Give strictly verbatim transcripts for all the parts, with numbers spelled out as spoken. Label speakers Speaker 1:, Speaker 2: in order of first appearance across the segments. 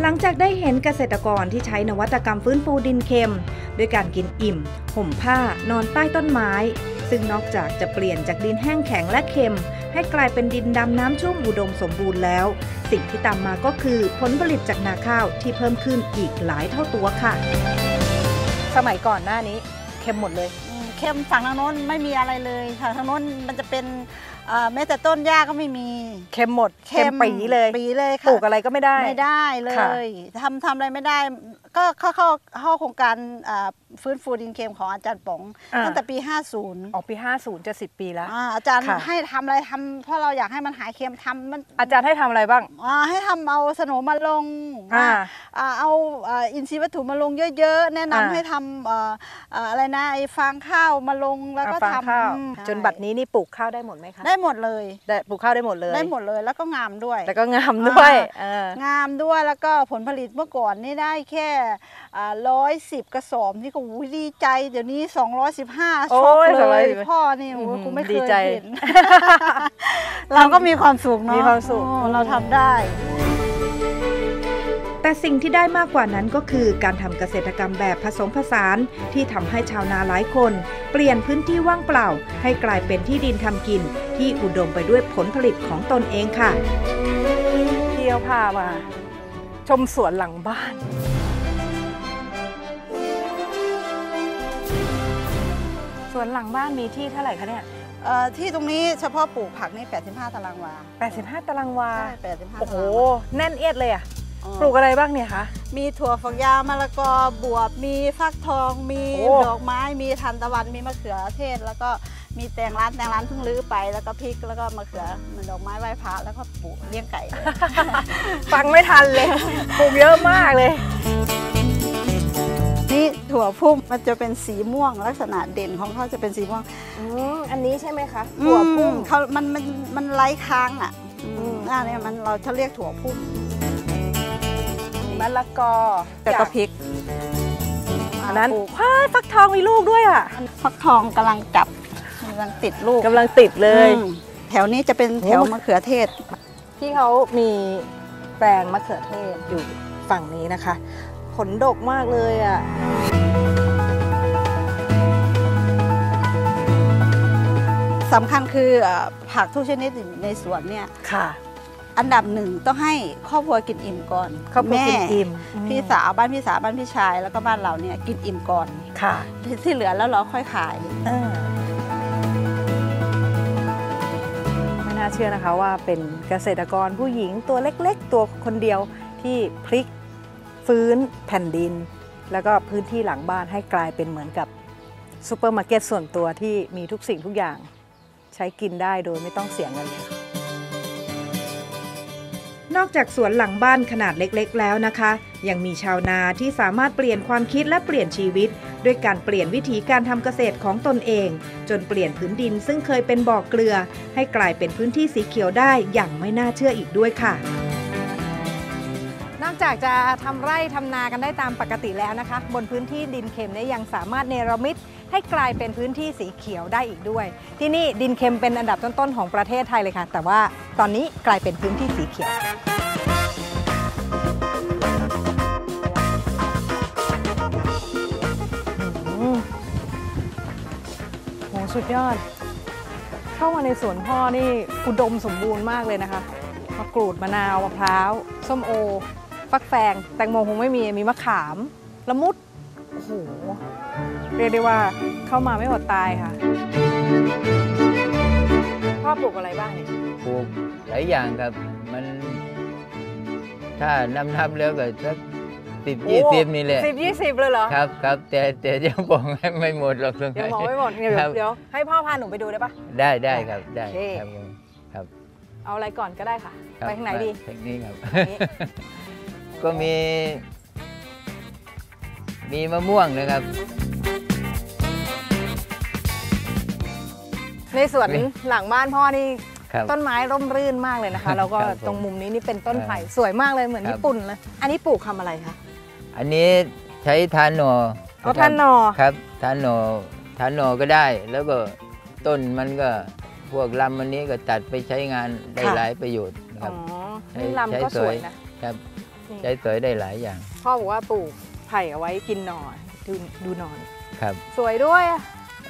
Speaker 1: ลังจากได้เห็นเกษตรกรที่ใช้นวัตกรรมฟื้นฟูดินเค็มด้วยการกินอิ่มห่มผ้านอนใต้ต้นไม้ซึ่งนอกจากจะเปลี่ยนจากดินแห้งแข็งและเค็มให้กลายเป็นดินดำน้ำชุ่มอุดมสมบูรณ์แล้วสิ่งที่ตามมาก็คือผลผลิตจากนาข้าวที่เพิ่มขึ้นอีกหลายเท่าตัวค่ะสมัยก่อนหน้านี้เค็มหมดเลย
Speaker 2: เค็มฝั่งทางโน้นไม่มีอะไรเลยฝั่งทางโน้นมันจะเป็นแม้แต่ต้นหญ้าก็ไม่มี
Speaker 1: เค็มหมดเค็มปีเลย
Speaker 2: ปีเลยค่ะ
Speaker 1: ปลูกอะไรก็ไม่ได้
Speaker 2: ไม่ได้เลยทำทำอะไรไม่ได้ก็เข้าเข้าเข้าโครงการฟื้นฟูดินเค็มของอาจารย์ป๋องตั้งแต่ปีห้าสิบ
Speaker 1: อ๋อปีห้าสิบจะสิบปีแล้ว
Speaker 2: อาจารย์ให้ทำอะไรทำเพราะเราอยากให้มันหายเค็มทำมัน
Speaker 1: อาจารย์ให้ทำอะไรบ้าง
Speaker 2: ให้ทำเอาสโนมาลงเอาอินทรีย์วัตถุมาลงเยอะๆแนะนำให้ทำอะไรนะไอ้ฟางข้าวมาลงแล้วก็ท
Speaker 1: ำจนบัดนี้นี่ปลูกข้าวได้หมดไหมคะ
Speaker 2: ได้หมดเลย
Speaker 1: ได้ปลูกข้าวได้หมดเลย
Speaker 2: ได้หมดเลยแล้วก็งามด้วย
Speaker 1: แล้วก็งามด้วย
Speaker 2: งามด้วยแล้วก็ผลผลิตเมื่อก่อนนี่ได้แค่ร้อยสิบกระสอบนี่ก็ดีใจเดี๋ยวนี้สองร้อยสิบห้าช็อกเลยพ่อนี่โอ้กูไม่เคยเห็นเราก็มีความสุขเนาะ
Speaker 1: มีความสุข
Speaker 2: เราทำได้
Speaker 1: แต่สิ่งที่ได้มากกว่านั้นก็คือการทำเกษตรกรรมแบบผสมผสานที่ทำให้ชาวนาหลายคนเปลี่ยนพื้นที่ว่างเปล่าให้กลายเป็นที่ดินทำกินที่อุดมไปด้วยผลผลิตของตนเองค่ะเที่ยวพามาชมสวนหลังบ้านสวนหลังบ้านมีที่เท่าไหร่คะเนี่ย
Speaker 2: ที่ตรงนี้เฉพาะปลูกผักนี่แปดสิบห้าตารางวา
Speaker 1: แปดสิบห้าตารางวา
Speaker 2: ใช่แปดสิบห้า
Speaker 1: โอ้โหแน่นเอียดเลยอ่ะปลูกอะไรบ้างเนี่ยคะ
Speaker 2: มีถั่วฝักยาวมะละกอบวบมีฟักทองมีดอกไม้มีทานตะวันมีมะเขือเทศแล้วก็มีแตงร้านแตงร้านเพิ่งรื้อไปแล้วก็พริกแล้วก็มะเขือดอกไม้ไหว้พระแล้วก็ปลูกเลี้ยงไก่
Speaker 1: ฟังไม่ทันเลยปลูกเยอะมากเลย
Speaker 2: นี่ถั่วพุ่มมันจะเป็นสีม่วงลักษณะเด่นของเขาจะเป็นสีม่วง
Speaker 1: อืมอันนี้ใช่ไหมคะถั่วพุ่ม
Speaker 2: เขามันมันมันไร้ค้างอ่ะอ่าเนี่ยมันเราจะเรียกถั่วพุ่ม
Speaker 1: มะละกอ
Speaker 2: แล้วก็พริก
Speaker 1: อันนั้นว้ายฟักทองมีลูกด้วยอ่ะ
Speaker 2: ฟักทองกำลังจับกำลังติดลูก
Speaker 1: กำลังติดเลย
Speaker 2: แถวนี้จะเป็นแถวมะเขือเทศ
Speaker 1: ที่เขามีแปลงมะเขือเทศอยู่ฝั่งนี้นะคะผลดกมากเลยอ่ะ
Speaker 2: สำคัญคือผักทุกชนิดในสวนเนี่ย
Speaker 1: ค่ะ
Speaker 2: อันดับหนึ่งต้องให้ครอบครัวกินอิ่มก่อน
Speaker 1: แม่
Speaker 2: พี่สาวบ้านพี่สาวบ้านพี่ชายแล้วก็บ้านเราเนี่ยกินอิ่มก่อน
Speaker 1: ค่ะ
Speaker 2: ที่เหลือแล้วเราค่อยขาย
Speaker 1: ไม่น่าเชื่อนะคะว่าเป็นเกษตรกรผู้หญิงตัวเล็กๆตัวคนเดียวที่พลิกฟื้นแผ่นดินแล้วก็พื้นที่หลังบ้านให้กลายเป็นเหมือนกับซูเปอร์มาร์เก็ตส่วนตัวที่มีทุกสิ่งทุกอย่างใช้กินได้โดยไม่ต้องเสียเงินเลยนอกจากสวนหลังบ้านขนาดเล็กๆแล้วนะคะยังมีชาวนาที่สามารถเปลี่ยนความคิดและเปลี่ยนชีวิตด้วยการเปลี่ยนวิธีการทำเกษตรของตนเองจนเปลี่ยนพื้นดินซึ่งเคยเป็นบ่อเกลือให้กลายเป็นพื้นที่สีเขียวได้อย่างไม่น่าเชื่ออีกด้วยค่ะนอกจากจะทำไร่ทำนากันได้ตามปกติแล้วนะคะบนพื้นที่ดินเค็มเนี่ยยังสามารถเนรมิตให้กลายเป็นพื้นที่สีเขียวได้อีกด้วยที่นี่ดินเค็มเป็นอันดับต้นๆของประเทศไทยเลยค่ะแต่ว่าตอนนี้กลายเป็นพื้นที่สีเขียวโหสุดยอดเข้ามาในสวนพ่อนี่อุดมสมบูรณ์มากเลยนะคะมะกรูดมะนาวมะพร้าวส้มโอฟักแฟงแตงโมคงไม่มีมีมะขามละมุดโอ้โหเรียกได้ว่าเข้ามาไม่อดตายค่ะพ่อปลูกอะไรบ้างเนี่ย
Speaker 3: ปลูกหลายอย่างครับมันถ้านำทำแล้วก็สักสิบยี่สิบนี่แหละ
Speaker 1: สิบยี่สิบเลยเหรอ
Speaker 3: ครับครับแต่แต่ยังบอกไม่หมดหรอกตรง
Speaker 1: นี้ยังบอกไม่หมดเดี๋ยวเดี๋ยวให้พ่อพาหนูไปดูได้ปะ
Speaker 3: ได้ได้ครับได้ครับครับ
Speaker 1: เอาอะไรก่อนก็ได้ค่ะไปทางไหนดี
Speaker 3: ทางนี้ครับก็มีมีมะม่วงนะครับ
Speaker 1: ในสวนหลังบ้านพ่อนี่ต้นไม้ร่มรื่นมากเลยนะคะแล้วก็ตรงมุมนี้นี่เป็นต้นไผ่สวยมากเลยเหมือนญี่ปุ่นเลยอันนี้ปลูกทำอะไรคะ
Speaker 3: อันนี้ใช้ทานหน่อ
Speaker 1: เอาทานหน่อ
Speaker 3: ครับทานหน่อทานหน่อก็ได้แล้วก็ต้นมันก็พวกลำอันนี้ก็ตัดไปใช้งานได้หลายประโยชน์นะครับ
Speaker 1: อ๋อนี่ลำก็สวยนะครับ
Speaker 3: ใช้สอยได้หลายอย่าง
Speaker 1: พ่อบอกว่าปลูกไผ่เอาไว้กินหน่อดูดูหน่อ
Speaker 3: ครับ
Speaker 1: สวยด้วยอะ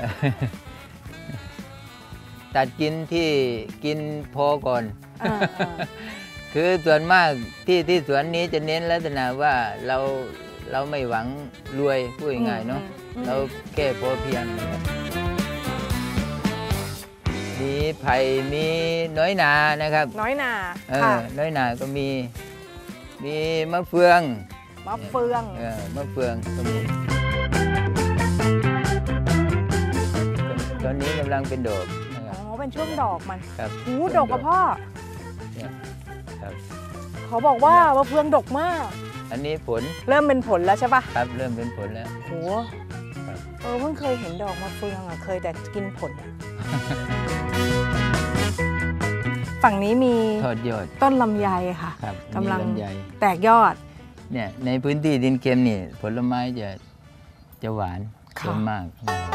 Speaker 3: ตัดกินที่กินพอก่อนคือส่วนมากที่ที่สวนนี้จะเน้นลักษณะว่าเราเราไม่หวังรวยพูดง่ายๆเนาะเราแค่พอเพียงมีไผ่มีน้อยนานะครับ
Speaker 1: น้อยนา
Speaker 3: เออน้อยนาก็มีมีมะเฟือง
Speaker 1: มะเฟือง
Speaker 3: เออมะเฟืองก็มีตอนนี้กำลังเป็นดอก
Speaker 1: อ๋อเป็นช่วงดอกมัน
Speaker 3: ครับ
Speaker 1: หูดอกกับพ่อ
Speaker 3: ครับ
Speaker 1: เขาบอกว่ามะเฟืองดกมาก
Speaker 3: อันนี้ผล
Speaker 1: เริ่มเป็นผลแล้วใช่ปะ
Speaker 3: ครับเริ่มเป็นผลแล้ว
Speaker 1: โหเออเพิ่งเคยเห็นดอกมะเฟืองอ่ะเคยแต่กินผลฝั่งนี้มี
Speaker 3: ทอดยอด
Speaker 1: ต้นลำไยค่ะกำลังแตกยอด
Speaker 3: เนี่ยในพื้นที่ดินเค็มนี่ผลไม้จะจะหวานส่วนมาก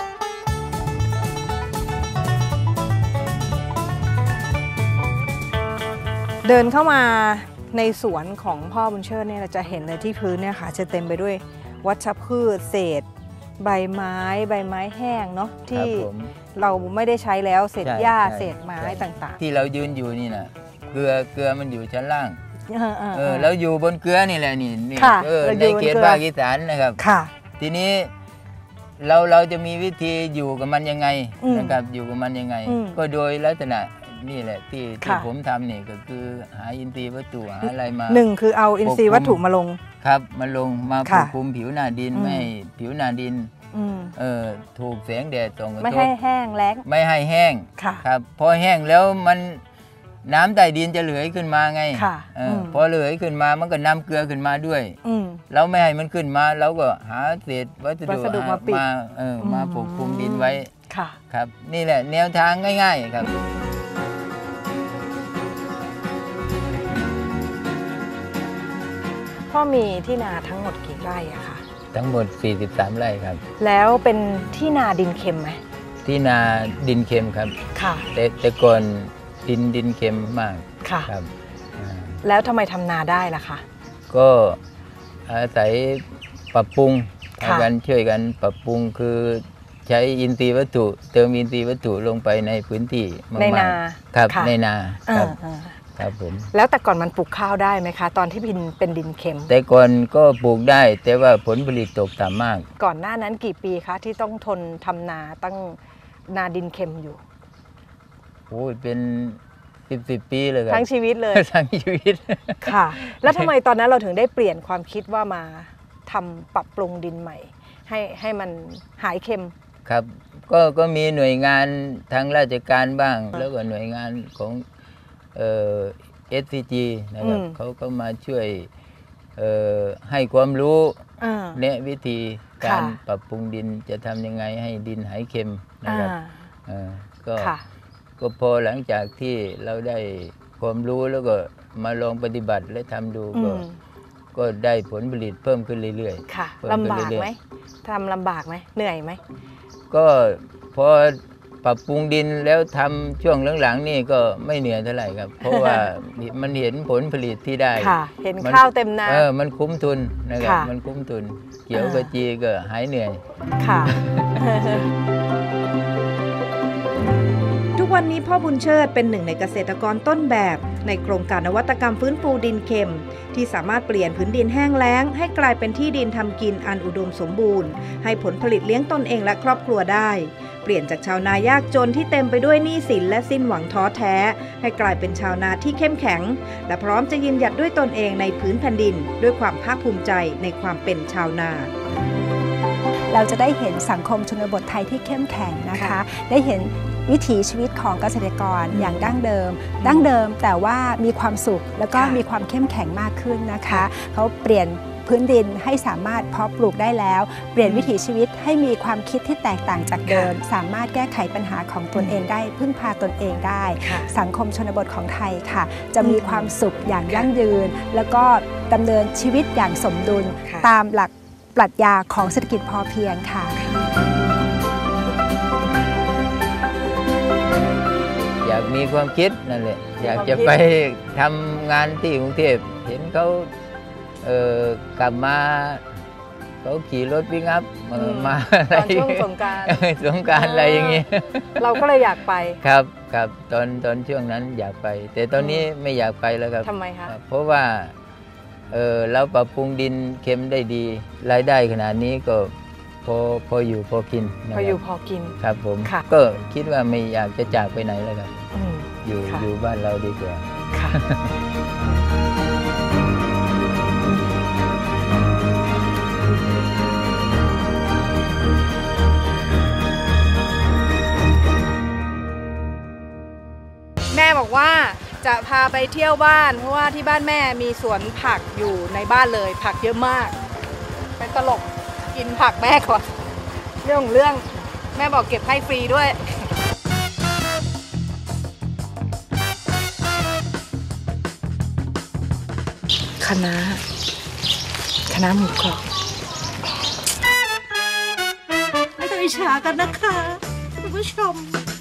Speaker 1: เดินเข้ามาในสวนของพ่อบุญเชิดเนี่ยเราจะเห็นเลยที่พื้นเนี่ยค่ะจะเต็มไปด้วยวัชพืชเศษใบไม้ใบไม้แห้งเนาะที่เราไม่ได้ใช้แล้วเศษหญ้าเศษไม้ต่างๆ
Speaker 3: ที่เรายืนอยู่นี่นะเกลือเกลือมันอยู่ชั้นล่างเออแล้วอยู่บนเกลือนี่แหละนี่นี่เออในเขตภาคอีสานนะครับทีนี้เราเราจะมีวิธีอยู่กับมันยังไงนะครับอยู่กับมันยังไงก็โดยลักษณะนี่แหละที่ที่ผมทำนี่ก็คือหาอินทรีย์วัตถุหาอะไรมา
Speaker 1: หนึ่งคือเอาอินทรีย์วัตถุมาลง
Speaker 3: ครับมาลงมาปกคลุมผิวหน้าดินไม่ผิวหน้าดินเออถูกแสงแดดส่องกระทบ
Speaker 1: ไม่ให้แห้งแล้ง
Speaker 3: ไม่ให้แห้งครับพอแห้งแล้วมันน้ำใต้ดินจะเหลือขึ้นมาไงพอเหลือขึ้นมามันก็นำเกลือขึ้นมาด้วยเราไม่ให้มันขึ้นมาเราก็หาเศษวัสดุมาเออมาปกคลุมดินไว้ครับนี่แหละแนวทางง่ายๆครับ
Speaker 1: พ่อมีที่นาทั้งหมดกี่ไร่อะคะ
Speaker 3: ทั้งหมดสี่สิบสามไร่ครับ
Speaker 1: แล้วเป็นที่นาดินเค็มไหม
Speaker 3: ที่นาดินเค็มครับ
Speaker 1: ค่ะ
Speaker 3: แต่แต่ก่อนดินดินเค็มมาก
Speaker 1: ค่ะครับแล้วทำไมทำนาได้ล่ะคะ
Speaker 3: ก็อาศัยปรับปรุงกันช่วยกันปรับปรุงคือใช้อินทรีย์วัตถุเติมอินทรีย์วัตถุลงไปในพื้นที่
Speaker 1: ในนา
Speaker 3: ครับในนาครับครับผม
Speaker 1: แล้วแต่ก่อนมันปลูกข้าวได้ไหมคะตอนที่เป็นเป็นดินเค็ม
Speaker 3: แต่ก่อนก็ปลูกได้แต่ว่าผลผลิตตกต่ำมาก
Speaker 1: ก่อนหน้านั้นกี่ปีคะที่ต้องทนทำนาตั้งนาดินเค็มอยู่
Speaker 3: โอ้ยเป็นสิบสิบปีเลยครับ
Speaker 1: ทั้งชีวิตเลย
Speaker 3: ทั้งชีวิต
Speaker 1: ค่ะแล้วทำไมตอนนั้นเราถึงได้เปลี่ยนความคิดว่ามาทำปรับปรุงดินใหม่ให้ให้มันหายเค็ม
Speaker 3: ครับก็ก็มีหน่วยงานทางราชการบ้างแล้วก็หน่วยงานของเอ่อ เอส ซี จี นะครับเขาก็มาช่วยเอ่อให้ความรู้แนะวิธีการปรับปรุงดินจะทำยังไงให้ดินหายเค็มนะครับก็ก็พอหลังจากที่เราได้ความรู้แล้วก็มาลองปฏิบัติและทำดูก็ก็ได้ผลผลิตเพิ่มขึ้นเรื่อย
Speaker 1: ๆค่ะลำบากไหมทำลำบากไหมเหนื่อยไหม
Speaker 3: ก็พอปรับปรุงดินแล้วทำช่วงหลังๆนี่ก็ไม่เหนื่อยเท่าไหร่ครับเพราะว่ามันเห็นผลผลิตที่ได้
Speaker 1: เห็นข้าวเต็มนา
Speaker 3: เออมันคุ้มทุนนะครับมันคุ้มทุนเกี่ยวกับจีก็หายเหนื่อย
Speaker 1: ค่ะ
Speaker 4: ทุกวันนี้พ่อบุญเชิดเป็นหนึ่งในเกษตรกรต้นแบบในโครงการนวัตกรรมฟื้นฟูดินเค็มที่สามารถเปลี่ยนพื้นดินแห้งแล้งให้กลายเป็นที่ดินทำกินอันอุดมสมบูรณ์ให้ผลผลิตเลี้ยงตนเองและครอบครัวได้เปลี่ยนจากชาวนายากจนที่เต็มไปด้วยหนี้สินและสิ้นหวังท้อแท้ให้กลายเป็นชาวนาที่เข้มแข็งและพร้อมจะยืนหยัดด้วยตนเองในพื้นแผ่นดินด้วยความภาคภูมิใจในความเป็นชาวนา
Speaker 5: เราจะได้เห็นสังคมชนบทไทยที่เข้มแข็งนะคะได้เห็นวิถีชีวิตของเกษตรกรอย่างดั้งเดิมดั้งเดิมแต่ว่ามีความสุขแล้วก็มีความเข้มแข็งมากขึ้นนะคะเขาเปลี่ยนพื้นดินให้สามารถเพาะปลูกได้แล้วเปลี่ยนวิถีชีวิตให้มีความคิดที่แตกต่างจากเดิมสามารถแก้ไขปัญหาของตนเองได้พึ่งพาตนเองได้สังคมชนบทของไทยค่ะจะมีความสุขอย่างยั่งยืนแล้วก็ดำเนินชีวิตอย่างสมดุลตามหลักปรัชญาของเศรษฐกิจพอเพียงค่ะ
Speaker 3: อยากมีความคิดนั่นแหละอยากจะไปทำงานที่กรุงเทพเห็นเขาเออกลับมาเขาขี่รถวิ่งอัพมามาอะไร
Speaker 4: ตอนช่วงสงกรานต์
Speaker 3: สงกรานต์อะไรอย่างเงี้ย
Speaker 4: เราก็เลยอยากไป
Speaker 3: ครับครับตอนตอนช่วงนั้นอยากไป แต่ตอนนี้ไม่อยากไปแล้วครับ
Speaker 4: ทำไมคะ
Speaker 3: เพราะว่าเออเราปรับปรุงดินเค็มได้ดีรายได้ขนาดนี้ก็พอพออยู่พอกินนะ
Speaker 4: พ
Speaker 3: ค
Speaker 4: อ
Speaker 3: รับ
Speaker 4: อยู่พอกิน
Speaker 3: ครับผม
Speaker 4: ค่ะ
Speaker 3: ก็คิดว่าไม่อยากจะจากไปไหนแล้วครับ
Speaker 4: อืม
Speaker 3: อยู่
Speaker 4: ค่ะ
Speaker 3: อยู่บ้านเราดีกว่า
Speaker 4: ค่ะแม่บอกว่าจะพาไปเที่ยวบ้านเพราะว่าที่บ้านแม่มีสวนผักอยู่ในบ้านเลยผักเยอะมากเป็นตลกกินผักแม่ก่อนเรื่องของเรื่องแม่บอกเก็บให้ฟรีด้วยคะน้าคะน้าหมูกรอบ
Speaker 2: ไม่ต้องอิจฉากันนะคะคุณผู้ชม